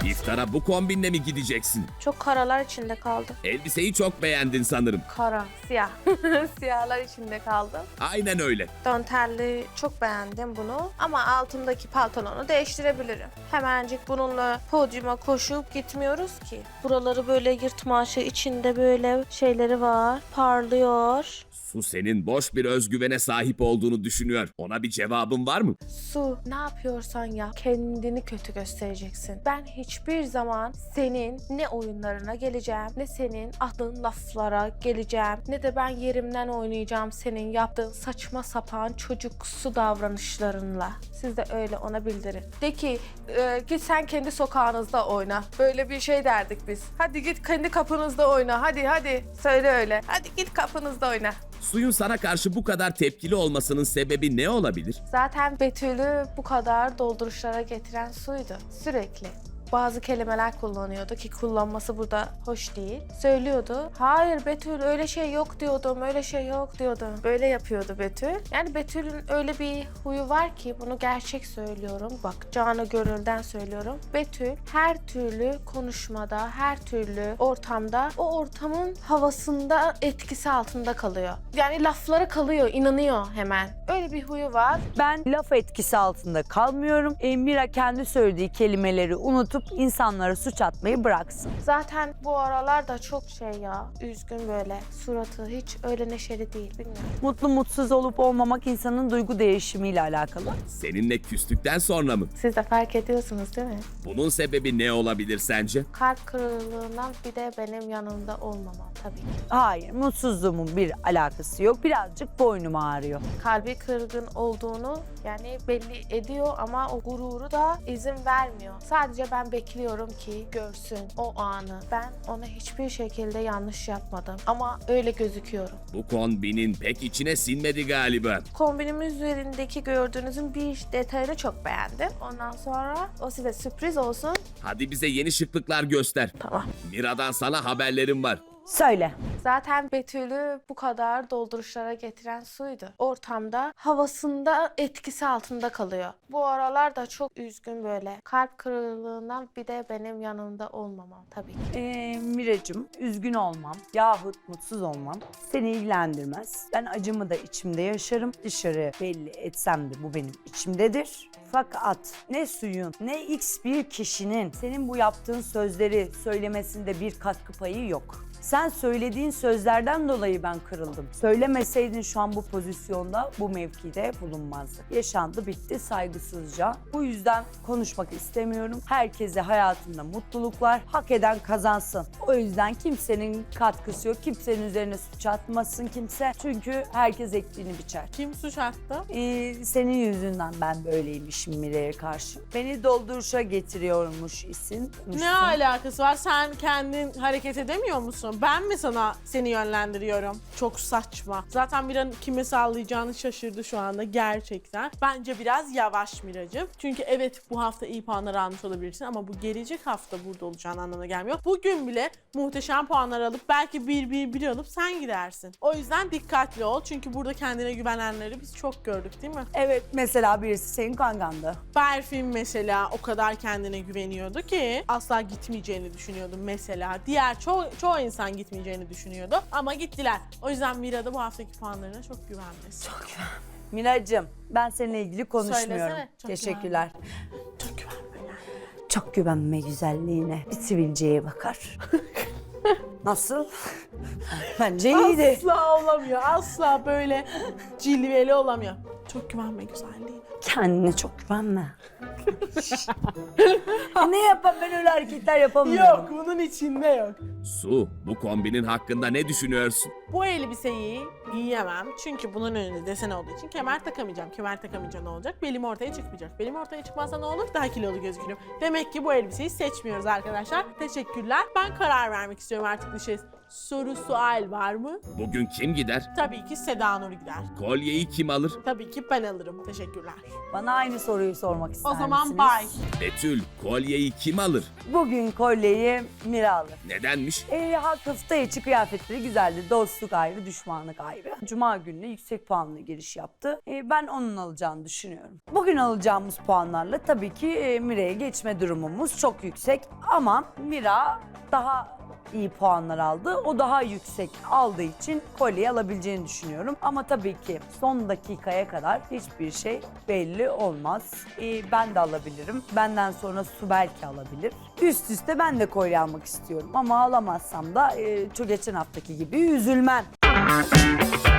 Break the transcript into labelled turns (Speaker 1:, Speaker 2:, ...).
Speaker 1: İftara bu kombinle mi gideceksin?
Speaker 2: Çok karalar içinde kaldım.
Speaker 1: Elbiseyi çok beğendin sanırım.
Speaker 2: Kara, siyah. Siyahlar içinde kaldım.
Speaker 1: Aynen öyle.
Speaker 2: Dantelli çok beğendim bunu. Ama altımdaki pantolonu değiştirebilirim. Hemencik bununla podyuma koşup gitmiyoruz ki. Buraları böyle yırtmaşı, içinde böyle şeyleri var. Parlıyor.
Speaker 1: Su senin boş bir özgüvene sahip olduğunu düşünüyor. Ona bir cevabın var mı?
Speaker 2: Su, ne yapıyorsan yap, kendini kötü göstereceksin. Ben hiçbir zaman senin ne oyunlarına geleceğim, ne senin attığın laflara geleceğim, ne de ben yerimden oynayacağım senin yaptığın saçma sapan çocuksu davranışlarınla. Siz de öyle ona bildirin. De ki, git sen kendi sokağınızda oyna. Böyle bir şey derdik biz. Hadi git kendi kapınızda oyna, hadi. Söyle öyle. Hadi git kapınızda oyna.
Speaker 1: Suyun sana karşı bu kadar tepkili olmasının sebebi ne olabilir?
Speaker 2: Zaten Betül'ü bu kadar dolduruşlara getiren Su'ydu. Sürekli. Bazı kelimeler kullanıyordu ki kullanması burada hoş değil. Söylüyordu. Hayır Betül öyle şey yok diyordum, öyle şey yok diyordum. Böyle yapıyordu Betül. Yani Betül'ün öyle bir huyu var ki bunu gerçek söylüyorum. Bak canı gönülden söylüyorum. Betül her türlü konuşmada, her türlü ortamda o ortamın havasında etkisi altında kalıyor. Yani laflara kalıyor, inanıyor hemen. Öyle bir huyu var.
Speaker 3: Ben laf etkisi altında kalmıyorum. Mira kendi söylediği kelimeleri unutup insanlara suç atmayı bıraksın.
Speaker 2: Zaten bu aralar da çok şey ya, üzgün böyle. Suratı hiç öyle neşeli değil, bilmiyorum.
Speaker 3: Mutlu mutsuz olup olmamak insanın duygu değişimiyle alakalı.
Speaker 1: Seninle küstükten sonra mı?
Speaker 2: Siz de fark ediyorsunuz değil mi?
Speaker 1: Bunun sebebi ne olabilir sence?
Speaker 2: Kalp kırıklığından bir de benim yanımda olmamam tabii ki.
Speaker 3: Hayır, mutsuzluğumun bir alakası yok. Birazcık boynum ağrıyor.
Speaker 2: Kalbi kırgın olduğunu yani belli ediyor ama o gururu da izin vermiyor. Sadece ben bekliyorum ki görsün o anı. Ben ona hiçbir şekilde yanlış yapmadım ama öyle gözüküyorum.
Speaker 1: Bu kombinin pek içine sinmedi galiba.
Speaker 2: Kombinimin üzerindeki gördüğünüzün bir detayını çok beğendim. Ondan sonra o size sürpriz olsun.
Speaker 1: Hadi bize yeni şıklıklar göster.
Speaker 2: Tamam.
Speaker 1: Mira'dan sana haberlerim var.
Speaker 3: Söyle.
Speaker 2: Zaten Betül'ü bu kadar dolduruşlara getiren Su'ydu. Ortamda, havasında etkisi altında kalıyor. Bu aralar da çok üzgün böyle. Kalp kırıklığından bir de benim yanımda olmamam tabii ki.
Speaker 3: Miracığım, üzgün olmam yahut mutsuz olmam seni ilgilendirmez. Ben acımı da içimde yaşarım. Dışarı belli etsem de bu benim içimdedir. Fakat ne suyun ne X bir kişinin senin bu yaptığın sözleri söylemesinde bir katkı payı yok. Sen söylediğin sözlerden dolayı ben kırıldım. Söylemeseydin şu an bu pozisyonda, bu mevkide bulunmazdı. Yaşandı, bitti saygısızca. Bu yüzden konuşmak istemiyorum. Herkese hayatında mutluluklar, hak eden kazansın. O yüzden kimsenin katkısı yok, kimsenin üzerine suç atmasın kimse. Çünkü herkes ektiğini biçer.
Speaker 4: Kim suç attı?
Speaker 3: Senin yüzünden ben böyleymişim Mire'ye karşı. Beni dolduruşa getiriyormuş isim.
Speaker 4: Ne alakası var? Sen kendin hareket edemiyor musun? Ben mi seni yönlendiriyorum? Çok saçma. Zaten Mira'nın kime sallayacağını şaşırdı şu anda gerçekten. Bence biraz yavaş Miracığım. Çünkü evet bu hafta iyi puanlar almış olabilirsin ama bu gelecek hafta burada olacağın anlamına gelmiyor. Bugün bile muhteşem puanlar alıp belki 1-1-1 alıp sen gidersin. O yüzden dikkatli ol. Çünkü burada kendine güvenenleri biz çok gördük değil mi?
Speaker 3: Evet, mesela birisi senin kangandı.
Speaker 4: Berfin mesela o kadar kendine güveniyordu ki asla gitmeyeceğini düşünüyordum mesela. Diğer çoğu insan gitmeyeceğini düşünüyordu ama gittiler. O yüzden Mira da bu haftaki puanlarına çok güvenmesin. Çok
Speaker 3: Miracığım, ben seninle ilgili konuşmuyorum.
Speaker 4: Söylesene, çok
Speaker 3: Teşekkürler.
Speaker 4: Çok güvenme.
Speaker 3: Çok güvenme güzelliğine. Bir sivilceye bakar. Nasıl? Bence iyiydi.
Speaker 4: Asla olamıyor. Asla böyle cilveli olamıyor. Çok güvenme güzelliğine.
Speaker 3: Kendine çok güvenme. Ne yapayım, ben öyle hareketler yapamıyorum.
Speaker 4: Yok, bunun içinde yok.
Speaker 1: Su, bu kombinin hakkında ne düşünüyorsun?
Speaker 4: Bu elbiseyi giyemem. Çünkü bunun önünde desen olduğu için kemer takamayacağım. Kemer takamayınca ne olacak? Belim ortaya çıkmayacak. Belim ortaya çıkmazsa ne olur? Daha kilolu gözükürüm. Demek ki bu elbiseyi seçmiyoruz arkadaşlar. Teşekkürler. Ben karar vermek istiyorum artık bir şey soru sual var mı?
Speaker 1: Bugün kim gider?
Speaker 4: Tabii ki Seda Nur gider.
Speaker 1: Kolyeyi kim alır?
Speaker 4: Tabii ki ben alırım. Teşekkürler.
Speaker 3: Bana aynı soruyu sormak ister
Speaker 4: O zaman
Speaker 3: misiniz?
Speaker 4: bay.
Speaker 1: Betül, kolyeyi kim alır?
Speaker 3: Bugün kolyeyi Mira alır.
Speaker 1: Nedenmiş?
Speaker 3: Hafta içi kıyafetleri güzeldi. Dostluk ayrı, düşmanlık ayrı. Cuma gününe yüksek puanla giriş yaptı. Ben onun alacağını düşünüyorum. Bugün alacağımız puanlarla tabii ki Mira'ya geçme durumumuz çok yüksek. Ama Mira daha iyi puanlar aldı. O daha yüksek aldığı için kolyeyi alabileceğini düşünüyorum. Ama tabii ki son dakikaya kadar hiçbir şey belli olmaz. Ben de alabilirim. Benden sonra Su belki alabilir. Üst üste ben de kolye almak istiyorum. Ama alamazsam da geçen haftaki gibi üzülmem.